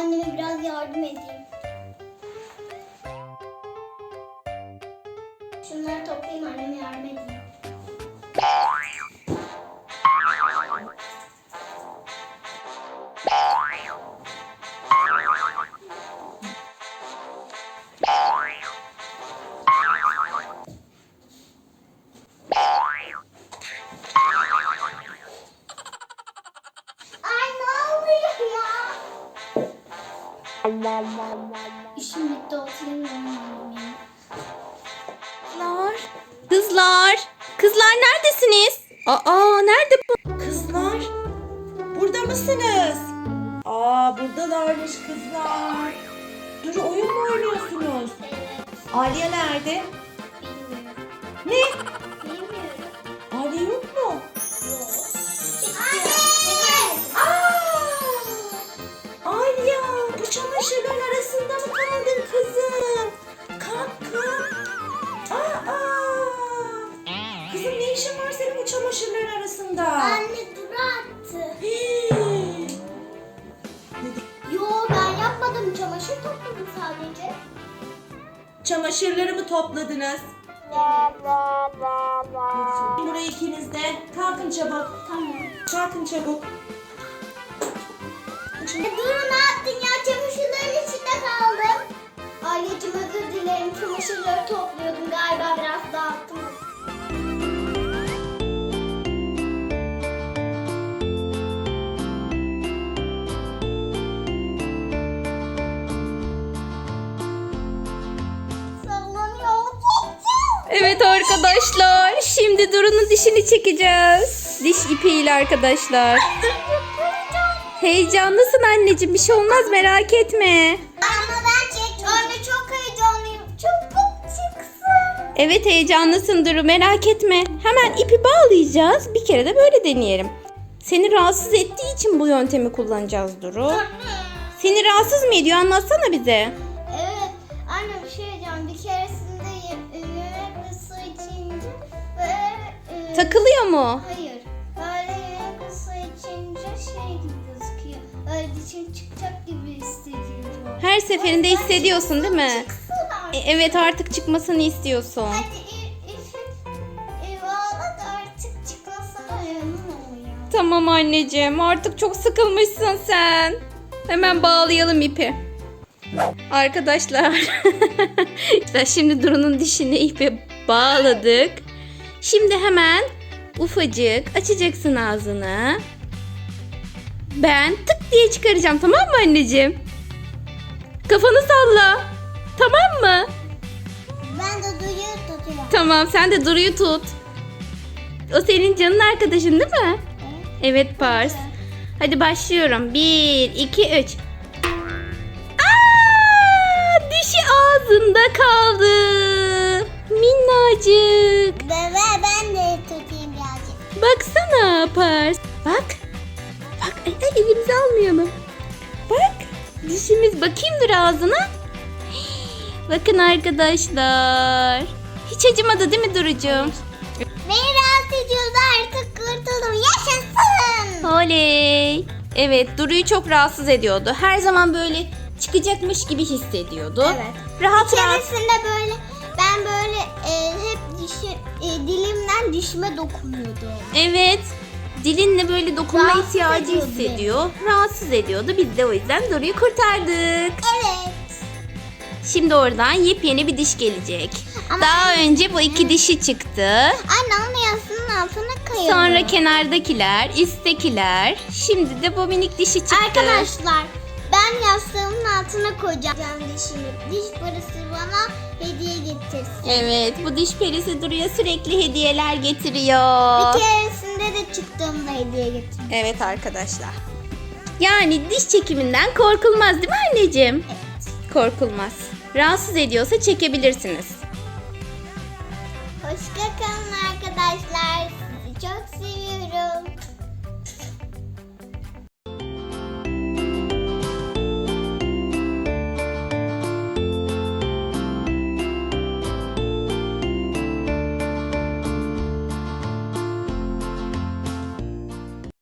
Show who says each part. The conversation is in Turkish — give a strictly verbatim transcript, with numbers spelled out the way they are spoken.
Speaker 1: anneme biraz yardım edeyim. Şunları toplayayım, anneme yardım edeyim. Ay ne oluyor ya? İşim bitti, oturayım annem ya.
Speaker 2: Kızlar. Kızlar. Kızlar neredesiniz? Aa nerede bu?
Speaker 3: Kızlar, burada mısınız? Aa, buradalarmış kızlar. Dur, oyun mu oynuyorsunuz? Aliye nerede?
Speaker 1: Bilmiyorum.
Speaker 3: Ne?
Speaker 1: Bilmiyorum.
Speaker 3: Aliye yok mu?
Speaker 1: Yok.
Speaker 3: Aa! Aliye, bu çamaşırların arasında mı kaldın kızım? Kalk kalk. Aa! Kızım ne işin var senin bu çamaşırların arasında?
Speaker 1: Anne Duru attı.
Speaker 3: Hii.
Speaker 1: Yo, ben yapmadım. Çamaşır topladım sadece.
Speaker 3: Çamaşırları mı topladınız? Buraya ikiniz de. Kalkın çabuk.
Speaker 1: Tamam.
Speaker 3: Kalkın çabuk.
Speaker 1: E, Duru ne yaptın ya? Çamaşırların içinde kaldım. Aileciğim özür dilerim. Çamaşırları topluyordum. Galiba biraz dağıttım. Sallanıyor.
Speaker 2: Evet arkadaşlar. Şimdi Duru'nun dişini çekeceğiz. Diş ipiyle arkadaşlar. Heyecanlısın anneciğim. Bir şey olmaz, merak etme.
Speaker 1: Ama ben çektim. Anne çok heyecanlıyım. Çabuk çıksın.
Speaker 2: Evet heyecanlısın Duru, merak etme. Hemen ipi bağlayacağız. Bir kere de böyle deneyelim. Seni rahatsız ettiği için bu yöntemi kullanacağız Duru. Seni rahatsız mı ediyor? Anlatsana bize.
Speaker 1: Evet. Anne bir şey diyeceğim. Bir keresinde ye- yemek ve su içince böyle... e,
Speaker 2: Takılıyor mu?
Speaker 1: Hayır. Böyle yemek ve su içince şey gibi gözüküyor. Öyle dişim çıkacak gibi hissediyorum.
Speaker 2: Her seferinde hissediyorsun değil mi?
Speaker 1: Çıksın
Speaker 2: E,
Speaker 1: artık.
Speaker 2: evet artık çıkmasını istiyorsun.
Speaker 1: Hadi i- ipi e, bağla da artık çıkmasına emin ol ya.
Speaker 2: Tamam anneciğim, artık çok sıkılmışsın sen. Hemen bağlayalım ipi. Arkadaşlar. İşte şimdi Duru'nun dişini ipe bağladık. Şimdi hemen ufacık açacaksın ağzını. Ben tık diye çıkaracağım, tamam mı anneciğim? Kafanı salla. Tamam mı?
Speaker 1: Ben de duyuyor tutuyorum.
Speaker 2: Tamam, sen de Duru'yu tut. O senin canın arkadaşın değil mi? Evet Pars. Hadi başlıyorum. Bir, iki, üç. Aa, dişi ağzında kaldı. Minnacık.
Speaker 1: Bebe ben de tutayım birazcık.
Speaker 2: Baksana Pars. Bak. Bak ay, ay, elimizi almayalım. Bak. Dişimiz, bakayım dur ağzına. Bakın arkadaşlar. Hiç acımadı değil mi Duru'cum?
Speaker 1: Beni rahatsız ediyordu, artık kurtuldum. Yaşasın.
Speaker 2: Oley. Evet, Duru'yu çok rahatsız ediyordu. Her zaman böyle çıkacakmış gibi hissediyordu.
Speaker 1: Evet.
Speaker 2: Rahat
Speaker 1: Bir
Speaker 2: rahat.
Speaker 1: keresinde böyle ben böyle e, hep dişi, e, dilimden dişime dokunuyordum.
Speaker 2: Evet. Dilinle böyle dokunma
Speaker 1: Rahatsız
Speaker 2: ihtiyacı
Speaker 1: ediyordu
Speaker 2: hissediyor. Rahatsız ediyordu. Biz de o yüzden Duru'yu kurtardık.
Speaker 1: Evet.
Speaker 2: Şimdi oradan yepyeni bir diş gelecek.
Speaker 1: Ama
Speaker 2: Daha önce bu iki dişi çıktı.
Speaker 1: Anne onun yasının altına kayalım.
Speaker 2: Sonra kenardakiler, üsttekiler. Şimdi de bu minik dişi çıktı.
Speaker 1: Arkadaşlar ben yastığımın altına koyacağım dişimi. Diş parası bana hediye getirsin.
Speaker 2: Evet, bu diş perisi Duru'ya sürekli hediyeler getiriyor.
Speaker 1: Bir keresinde de çıktığımda hediye getirdim.
Speaker 2: Evet arkadaşlar. Yani diş çekiminden korkulmaz değil mi anneciğim?
Speaker 1: Evet.
Speaker 2: Korkulmaz. Rahatsız ediyorsa çekebilirsiniz.
Speaker 1: Hoşça kalın arkadaşlar.